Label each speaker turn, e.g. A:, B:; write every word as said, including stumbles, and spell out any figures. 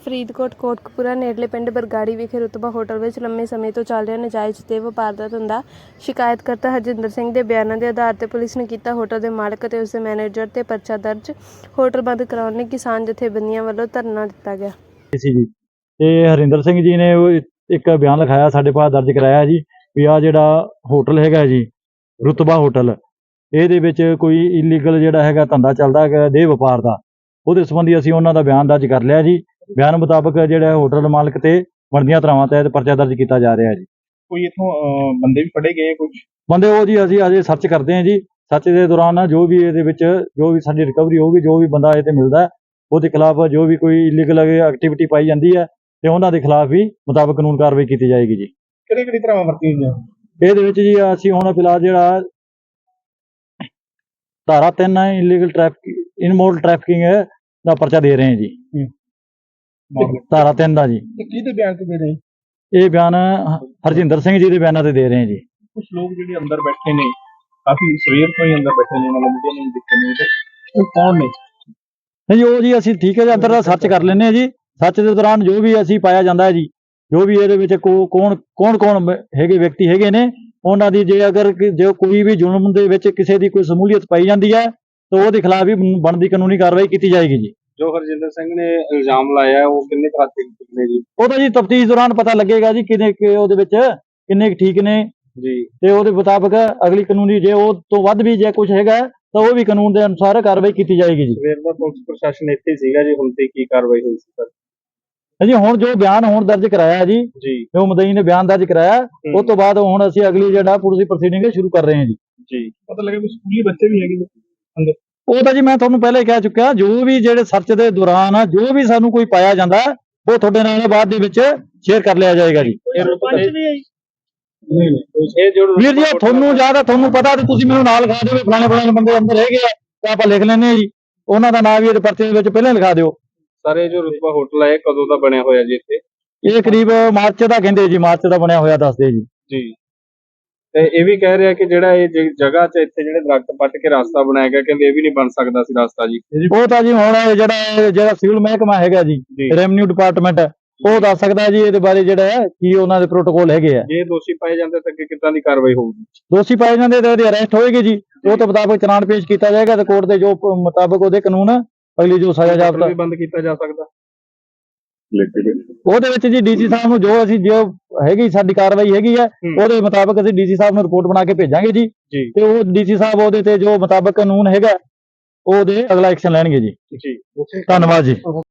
A: ਫਰੀਦਕੋਟ ਕੋਟਕਪੂਰਾ ਨੇੜਲੇ ਪਿੰਡ ਬਰਗਾੜੀ ਵਿਖੇ ਰੁਤਬਾ ਹੋਟਲ ਵਿੱਚ ਲੰਮੇ ਸਮੇਂ ਤੋਂ ਚੱਲ ਰਿਹਾ ਨਾਜਾਇਜ਼ ਤੇ ਵਪਾਰ ਦਾ ਧੰਦਾ। ਸ਼ਿਕਾਇਤਕਰਤਾ ਹਰਜਿੰਦਰ ਸਿੰਘ ਦੇ ਬਿਆਨਾਂ ਦੇ ਆਧਾਰ ਤੇ ਪੁਲਿਸ ਨੇ ਕੀਤਾ ਹੋਟਲ ਦੇ ਮਾਲਕ ਅਤੇ ਉਸ ਦੇ ਮੈਨੇਜਰ ਤੇ ਪਰਚਾ ਦਰਜ। ਹੋਟਲ ਬੰਦ ਕਰਾਉਣ ਲਈ ਕਿਸਾਨ ਜਥੇਬੰਦੀਆਂ ਵੱਲੋਂ ਧਰਨਾ ਦਿੱਤਾ ਗਿਆ
B: ਸੀ ਜੀ ਤੇ ਹਰਿੰਦਰ ਸਿੰਘ ਜੀ ਨੇ ਇੱਕ ਬਿਆਨ ਲਿਖਾਇਆ, ਸਾਡੇ ਪਾਸ ਦਰਜ ਕਰਾਇਆ ਜੀ ਵੀ ਆ ਜਿਹੜਾ ਹੋਟਲ ਹੈਗਾ ਜੀ ਰੁਤਬਾ ਹੋਟਲ, ਇਹਦੇ ਵਿੱਚ ਕੋਈ ਇਲੀਗਲ ਜਿਹੜਾ ਹੈਗਾ ਧੰਦਾ ਚੱਲਦਾ ਹੈਗਾ ਦੇਹ ਵਪਾਰ ਦਾ। ਉਹਦੇ ਸੰਬੰਧੀ ਅਸੀਂ ਉਹਨਾਂ ਦਾ ਬਿਆਨ ਦਰਜ ਕਰ ਲਿਆ ਜੀ। ਬਿਆਨ ਮੁਤਾਬਕ ਜਿਹੜਾ ਹੋਟਲ ਮਾਲਕ ਤੇ ਬਣਦੀਆਂ ਧਾਰਾਵਾਂ ਤਹਿਤ ਪਰਚਾ ਦਰਜ ਕੀਤਾ ਜਾ ਰਿਹਾ ਜੀ।
C: ਕੋਈ ਇਥੋਂ ਬੰਦੇ ਵੀ ਫੜੇ ਗਏ? ਕੁਝ
B: ਬੰਦੇ ਉਹ ਜੀ ਅਸੀਂ ਅਜੇ ਸਰਚ ਕਰਦੇ ਹਾਂ ਜੀ। ਸਰਚ ਦੇ ਦੌਰਾਨ ਜੋ ਵੀ ਇਹਦੇ ਵਿੱਚ ਜੋ ਵੀ ਸਾਡੀ ਰਿਕਵਰੀ ਹੋਊਗੀ, ਜੋ ਵੀ ਬੰਦਾ ਇਹ ਤੇ ਮਿਲਦਾ ਉਹਦੇ ਖਿਲਾਫ ਜੋ ਵੀ ਕੋਈ ਇਲੀਗਲ ਐਕਟੀਵਿਟੀ ਪਾਈ ਜਾਂਦੀ ਹੈ ਤੇ ਉਹਨਾਂ ਦੇ ਖਿਲਾਫ ਵੀ ਮੁਤਾਬਕ ਕਾਨੂੰਨ ਕਾਰਵਾਈ ਕੀਤੀ ਜਾਏਗੀ ਜੀ।
C: ਕਿਹੜੀ ਕਿਹੜੀ ਧਾਰਾਵਾਂ ਵਰਤੀਆਂ ਗਈਆਂ
B: ਇਹਦੇ ਵਿੱਚ ਜੀ ਅਸੀਂ ਹੁਣ ਫਿਲਹਾਲ ਜਿਹੜਾ ਧਾਰਾ ਤਿੰਨ ਹੈ ਇਲੀਗਲ ਟ੍ਰੈਫਿਕ ਇਨਮੋਰਲ ਟ੍ਰੈਫਿਕਿੰਗ ਦਾ ਪਰਚਾ ਦੇ ਰਹੇ ਹਾਂ ਜੀ। ਧਾਰਾ ਤਿੰਨ ਦਾ ਜੀ।
C: ਕਿਹਦੇ ਬਿਆਨ ਤੇ ਦੇ ਰਹੇ?
B: ਇਹ ਬਿਆਨ ਹਰਜਿੰਦਰ ਸਿੰਘ ਜੀ ਦੇ ਬਿਆਨਾਂ ਤੇ ਦੇ ਰਹੇ ਹਾਂ ਜੀ।
C: ਕੁਝ ਲੋਕ ਜਿਹੜੇ ਅੰਦਰ ਬੈਠੇ ਨੇ, ਕਾਫੀ ਸਵੇਰ ਤੋਂ ਹੀ ਅੰਦਰ ਬੈਠੇ ਨੇ, ਮਤਲਬ ਮੀਡੀਆ ਨੂੰ ਦਿੱਤੇ ਨੇ, ਤੇ ਉਹ ਕੌਣ ਨੇ?
B: ਨਹੀਂ ਉਹ ਜੀ ਅਸੀਂ ਠੀਕ ਹੈ ਜੀ, ਅੰਦਰ ਦਾ ਸਰਚ ਕਰ ਲੈਂਦੇ ਹਾਂ ਜੀ। ਸਰਚ ਦੇ ਦੌਰਾਨ ਜੋ ਵੀ ਅਸੀਂ ਪਾਇਆ ਜਾਂਦਾ ਹੈ ਜੀ, ਜੋ ਵੀ ਇਹਦੇ ਵਿੱਚ ਕੋ ਕੌਣ ਕੌਣ ਕੌਣ ਹੈਗੇ ਵਿਅਕਤੀ ਹੈਗੇ ਨੇ, ਉਹਨਾਂ ਦੀ ਜੇ ਅਗਰ ਜੇ ਕੋਈ ਵੀ ਜ਼ੁਲਮ ਦੇ ਵਿੱਚ ਕਿਸੇ ਦੀ ਕੋਈ ਸ਼ਮੂਲੀਅਤ ਪਾਈ ਜਾਂਦੀ ਹੈ ਤਾਂ ਉਹਦੇ ਖਿਲਾਫ ਵੀ ਬਣਦੀ ਕਾਨੂੰਨੀ ਕਾਰਵਾਈ ਕੀਤੀ ਜਾਏਗੀ ਜੀ।
C: ਜੋ ਹਰਜਿੰਦਰ ਸਿੰਘ ਨੇ ਇਲਜ਼ਾਮ ਲਾਇਆ ਉਹ ਕਿੰਨੇ ਕੁ ਹੱਦ ਤੱਕ ਨੇ ਜੀ?
B: ਉਹ ਤਾਂ ਜੀ ਤਫਤੀਸ਼ ਦੌਰਾਨ ਪਤਾ ਲੱਗੇਗਾ ਜੀ ਕਿੰਨੇ ਉਹਦੇ ਵਿੱਚ ਕਿੰਨੇ ਠੀਕ ਨੇ
C: ਜੀ,
B: ਤੇ ਉਹਦੇ ਮੁਤਾਬਕ ਅਗਲੀ ਕਾਨੂੰਨੀ ਜੇ ਉਹ ਤੋਂ ਵੱਧ ਵੀ ਜੇ ਕੁਝ ਹੈਗਾ ਤਾਂ ਉਹ ਵੀ ਕਾਨੂੰਨ ਦੇ ਅਨੁਸਾਰ ਕਾਰਵਾਈ ਕੀਤੀ ਜਾਏਗੀ ਜੀ।
C: ਸਵੇਰ ਦਾ ਪੁਲਿਸ ਪ੍ਰਸ਼ਾਸਨ ਇੱਥੇ ਸੀਗਾ ਜੀ, ਹੁਣ ਤੇ ਕੀ ਕਾਰਵਾਈ ਹੋਈ ਸੀ ਸਰ?
B: ਜੀ ਹੁਣ ਜੋ ਬਿਆਨ ਹੁਣ ਦਰਜ ਕਰਾਇਆ ਜੀ,
C: ਜੀ
B: ਜੋ ਮੁਦਈ ਨੇ ਬਿਆਨ ਦਰਜ ਕਰਾਇਆ ਉਸ ਤੋਂ ਬਾਅਦ ਹੁਣ ਅਸੀਂ ਅਗਲੀ ਜਿਹੜਾ ਪੁਲਿਸ ਪ੍ਰੋਸੀਡਿੰਗ ਸ਼ੁਰੂ ਕਰ ਰਹੇ ਹਾਂ ਜੀ।
C: ਜੀ ਪਤਾ ਲੱਗਾ ਕੋਈ ਸਕੂਲੀ ਬੱਚੇ ਵੀ ਹੈਗੇ ਅੰਦਰ?
B: ਉਹ ਤਾਂ ਜੀ ਮੈਂ ਤੁਹਾਨੂੰ ਪਹਿਲੇ ਕਹਿ ਚੁੱਕਿਆ, ਜੋ ਵੀ ਜਿਹੜੇ ਸਰਚ ਦੇ ਦੌਰਾਨ ਜੋ ਵੀ ਸਾਨੂੰ ਕੋਈ ਪਾਇਆ ਜਾਂਦਾ ਉਹ ਤੁਹਾਡੇ ਨਾਲ ਬਾਅਦ ਦੇ ਵਿੱਚ ਸ਼ੇਅਰ ਕਰ ਲਿਆ ਜਾਏਗਾ ਜੀ। ਵੀਰ ਜੀ ਤੁਹਾਨੂੰ ਜ਼ਿਆਦਾ ਤੁਹਾਨੂੰ ਪਤਾ ਤੇ ਤੁਸੀਂ ਮੈਨੂੰ ਨਾਲ ਲਿਖਾ ਦਿਓ ਵੀ ਫਲਾਣੇ ਫਲਾਣੇ ਬੰਦੇ ਅੰਦਰ ਹੈਗੇ ਆ ਤਾਂ ਆਪਾਂ ਲਿਖ ਲੈਂਦੇ ਹਾਂ ਜੀ। ਉਹਨਾਂ ਦਾ ਨਾਮ ਵੀ ਇਹਦੇ ਪਰਚੇ ਦੇ ਵਿੱਚ ਪਹਿਲਾਂ ਲਿਖਾ ਦਿਓ।
C: ਸਰ ਇਹ ਜੋ ਰੁਤਬਾ ਹੋਟਲ ਹੈ ਕਦੋਂ ਦਾ ਬਣਿਆ ਹੋਇਆ ਜੀ ਇੱਥੇ?
B: ਇਹ ਕਰੀਬ ਮਾਰਚ ਦਾ ਕਹਿੰਦੇ ਜੀ, ਮਾਰਚ ਦਾ ਬਣਿਆ ਹੋਇਆ ਦੱਸਦੇ ਜੀ।
C: ਜੀ ਤੇ ਇਹ ਵੀ ਕਹਿ ਰਿਹਾ ਕਿ ਜਿਹੜਾ ਇਹ ਜਗ੍ਹਾ 'ਚ ਇੱਥੇ ਜਿਹੜੇ ਦਰਖਤ ਪੱਟ ਕੇ ਰਸਤਾ ਬਣਾਇਆ ਗਿਆ, ਕਹਿੰਦੇ ਇਹ ਵੀ ਨਹੀਂ ਬਣ ਸਕਦਾ ਸੀ ਰਸਤਾ ਜੀ।
B: ਉਹ ਤਾਂ ਜੀ ਹੁਣ ਜਿਹੜਾ ਜਿਹੜਾ ਸਿਵਲ ਮਹਿਕਮਾ ਹੈਗਾ ਜੀ, ਰੈਵਨਿਊ ਡਿਪਾਰਟਮੈਂਟ, ਉਹ ਦੱਸ ਸਕਦਾ ਜੀ ਇਹਦੇ ਬਾਰੇ ਜਿਹੜਾ ਹੈ ਕੀ ਉਹਨਾਂ ਦੇ ਪ੍ਰੋਟੋਕੋਲ ਹੈਗੇ ਆ।
C: ਜੇ ਦੋਸ਼ੀ ਪਾਏ ਜਾਂਦੇ ਤਾਂ ਅੱਗੇ ਕਿੱਦਾਂ ਦੀ ਕਾਰਵਾਈ ਹੋਊਗੀ?
B: ਦੋਸ਼ੀ ਪਾਏ ਜਾਂਦੇ ਤਾਂ ਉਹਦੀ ਅਰੈਸਟ ਹੋਏਗੀ ਜੀ। ਉਹ ਤੋਂ ਮੁਤਾਬਕ ਚਲਾਨ ਪੇਸ਼ ਕੀਤਾ ਜਾਏਗਾ ਤੇ ਕੋਰਟ ਦੇ ਜੋ ਮੁਤਾਬਕ ਉਹਦੇ ਕਾਨੂੰਨ ਅਗਲੀ ਜੋ ਸਜ਼ਾ ਜਾਪਦਾ
C: ਵੀ ਬੰਦ ਕੀਤਾ ਜਾ ਸਕਦਾ।
B: ਉਹਦੇ ਵਿੱਚ ਜੀ ਡੀਸੀ ਸਾਹਿਬ ਨੂੰ ਜੋ ਅਸੀਂ ਜੋ ਹੈਗੀ ਸਾਡੀ ਕਾਰਵਾਈ ਹੈਗੀ ਹੈ ਉਹਦੇ ਮੁਤਾਬਕ ਅਸੀਂ ਡੀਸੀ ਸਾਹਿਬ ਨੂੰ ਰਿਪੋਰਟ ਬਣਾ ਕੇ ਭੇਜਾਂਗੇ ਜੀ, ਤੇ ਉਹ ਡੀਸੀ ਸਾਹਿਬ ਉਹਦੇ ਤੇ ਜੋ ਮੁਤਾਬਕ ਕਾਨੂੰਨ ਹੈਗਾ ਉਹਦੇ ਅਗਲਾ ਐਕਸ਼ਨ ਲੈਣਗੇ ਜੀ।
C: ਜੀ
B: ਧੰਨਵਾਦ ਜੀ।